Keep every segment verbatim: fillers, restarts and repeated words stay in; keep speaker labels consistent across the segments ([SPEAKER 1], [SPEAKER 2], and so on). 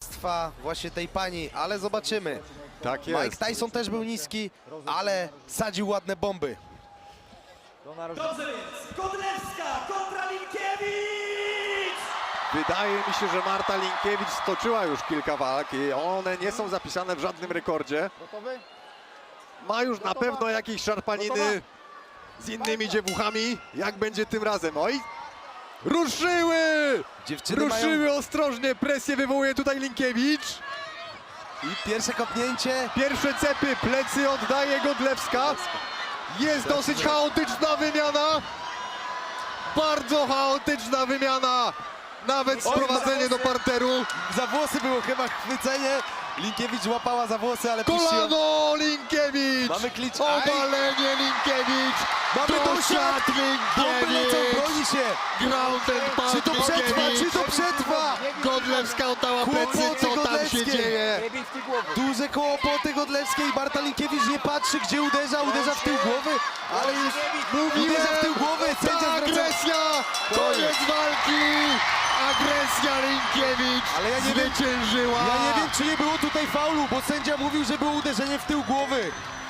[SPEAKER 1] właśnie tej pani, ale zobaczymy.
[SPEAKER 2] Tak jest.
[SPEAKER 1] Mike Tyson też był niski, ale sadził ładne bomby.
[SPEAKER 3] Dobrze więc, Godlewska kontra Linkiewicz!
[SPEAKER 2] Wydaje mi się, że Marta Linkiewicz stoczyła już kilka walk i one nie są zapisane w żadnym rekordzie. Ma już na pewno jakieś szarpaniny z innymi dziewuchami. Jak będzie tym razem? Oj! Ruszyły!
[SPEAKER 1] Dziewczyny
[SPEAKER 2] Ruszyły
[SPEAKER 1] mają...
[SPEAKER 2] ostrożnie, presję wywołuje tutaj Linkiewicz.
[SPEAKER 1] I pierwsze kopnięcie.
[SPEAKER 2] Pierwsze cepy, plecy oddaje Godlewska. Jest dosyć chaotyczna wymiana. Bardzo chaotyczna wymiana. Nawet sprowadzenie do parteru.
[SPEAKER 1] Za włosy było chyba chwycenie. Linkiewicz łapała za włosy, ale puściła.
[SPEAKER 2] Kolano Linkiewicz!
[SPEAKER 1] Mamy klicz.
[SPEAKER 2] Obalenie Linkiewicz!
[SPEAKER 1] Mamy dosiad! Bomby lecą,
[SPEAKER 2] Linkiewicz!
[SPEAKER 1] broni się!
[SPEAKER 2] Ground and pound
[SPEAKER 1] Czy to przetrwa, czy to przetrwa?
[SPEAKER 2] Godlewska oddała plecy,
[SPEAKER 1] Kłopoty
[SPEAKER 2] co tam się
[SPEAKER 1] Godlewskiej.
[SPEAKER 2] dzieje?
[SPEAKER 1] Duże kłopoty Godlewskiej. Marta Linkiewicz nie patrzy, gdzie uderza. Uderza w tył głowy, ale już uderza w tył głowy.
[SPEAKER 2] Ta
[SPEAKER 1] Sędzia zwraca...
[SPEAKER 2] agresja! Koniec walki! Agresja Linkiewicz
[SPEAKER 1] Ale ja nie wiem-
[SPEAKER 2] zwyciężyła!
[SPEAKER 1] Ja nie wiem, czy nie było tutaj faulu, bo sędzia mówił, że było uderzenie w tył głowy.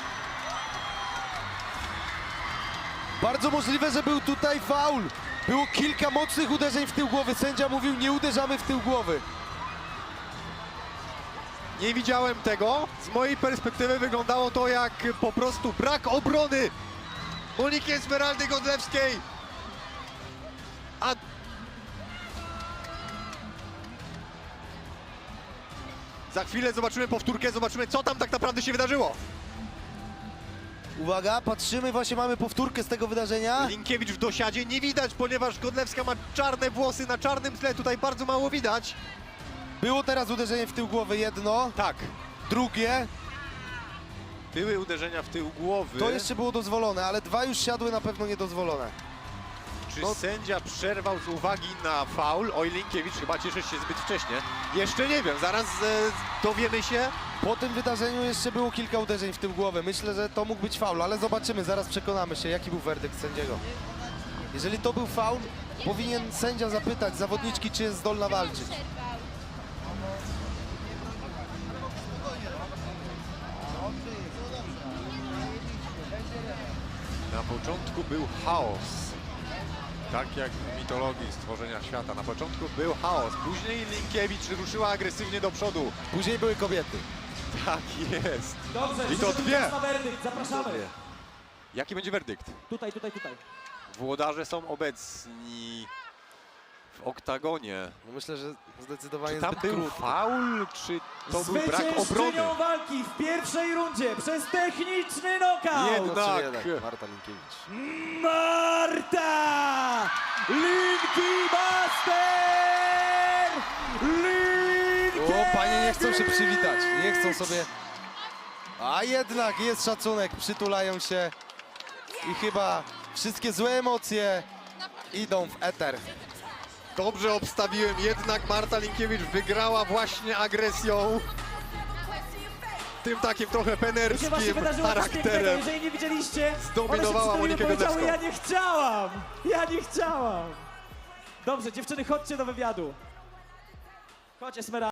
[SPEAKER 1] Bardzo możliwe, że był tutaj faul. Było kilka mocnych uderzeń w tył głowy. Sędzia mówił, nie uderzamy w tył głowy.
[SPEAKER 2] Nie widziałem tego. Z mojej perspektywy wyglądało to jak po prostu brak obrony Moniki Esmeraldy Godlewskiej. A za chwilę zobaczymy powtórkę, zobaczymy, co tam tak naprawdę się wydarzyło.
[SPEAKER 1] Uwaga, patrzymy, właśnie mamy powtórkę z tego wydarzenia.
[SPEAKER 2] Linkiewicz w dosiadzie nie widać, ponieważ Godlewska ma czarne włosy na czarnym tle. Tutaj bardzo mało widać.
[SPEAKER 1] Było teraz uderzenie w tył głowy, jedno,
[SPEAKER 2] Tak,
[SPEAKER 1] drugie.
[SPEAKER 2] były uderzenia w tył głowy.
[SPEAKER 1] To jeszcze było dozwolone, ale dwa już siadły na pewno niedozwolone.
[SPEAKER 2] Czy
[SPEAKER 1] no-
[SPEAKER 2] sędzia przerwał z uwagi na faul? Oj, Linkiewicz chyba cieszy się zbyt wcześnie. Jeszcze nie wiem, zaraz e, dowiemy się.
[SPEAKER 1] Po tym wydarzeniu jeszcze było kilka uderzeń w tył głowy. Myślę, że to mógł być faul, ale zobaczymy, zaraz przekonamy się, jaki był werdykt sędziego. Jeżeli to był faul, powinien sędzia zapytać zawodniczki, czy jest zdolna walczyć.
[SPEAKER 2] Na początku był chaos. Tak jak w mitologii stworzenia świata. Na początku był chaos. Później Linkiewicz ruszyła agresywnie do przodu.
[SPEAKER 1] Później były kobiety.
[SPEAKER 2] Tak jest.
[SPEAKER 3] Dobrze,
[SPEAKER 2] I to
[SPEAKER 3] przyszedł
[SPEAKER 2] dwie.
[SPEAKER 3] czas na werdykt, zapraszamy.
[SPEAKER 2] Jaki będzie werdykt?
[SPEAKER 3] Tutaj, tutaj, tutaj.
[SPEAKER 2] Włodarze są obecni w oktagonie.
[SPEAKER 1] No myślę, że zdecydowanie
[SPEAKER 2] Czy tam
[SPEAKER 1] zbyt
[SPEAKER 2] był
[SPEAKER 1] krótki.
[SPEAKER 2] faul, czy to był brak obrony?
[SPEAKER 3] Zwyciężczynią walki w pierwszej rundzie przez techniczny knockout
[SPEAKER 2] Jednak.
[SPEAKER 1] No, czy jednak Marta Linkiewicz.
[SPEAKER 3] Marta Linki Master!
[SPEAKER 1] O, panie nie chcą się przywitać, nie chcą sobie... A jednak jest szacunek, przytulają się i chyba wszystkie złe emocje idą w eter.
[SPEAKER 2] Dobrze obstawiłem, jednak Marta Linkiewicz wygrała właśnie agresją. Tym takim trochę
[SPEAKER 3] To się właśnie
[SPEAKER 2] penerskim
[SPEAKER 3] wydarzyło coś pięknego,
[SPEAKER 2] charakterem.
[SPEAKER 3] jeżeli nie widzieliście,
[SPEAKER 2] Zdominowała
[SPEAKER 3] one się
[SPEAKER 2] Monikę
[SPEAKER 3] powiedziały, ja
[SPEAKER 2] Godlewską.
[SPEAKER 3] nie chciałam, ja nie chciałam. Dobrze, dziewczyny, chodźcie do wywiadu. Chodź, Esmeralda.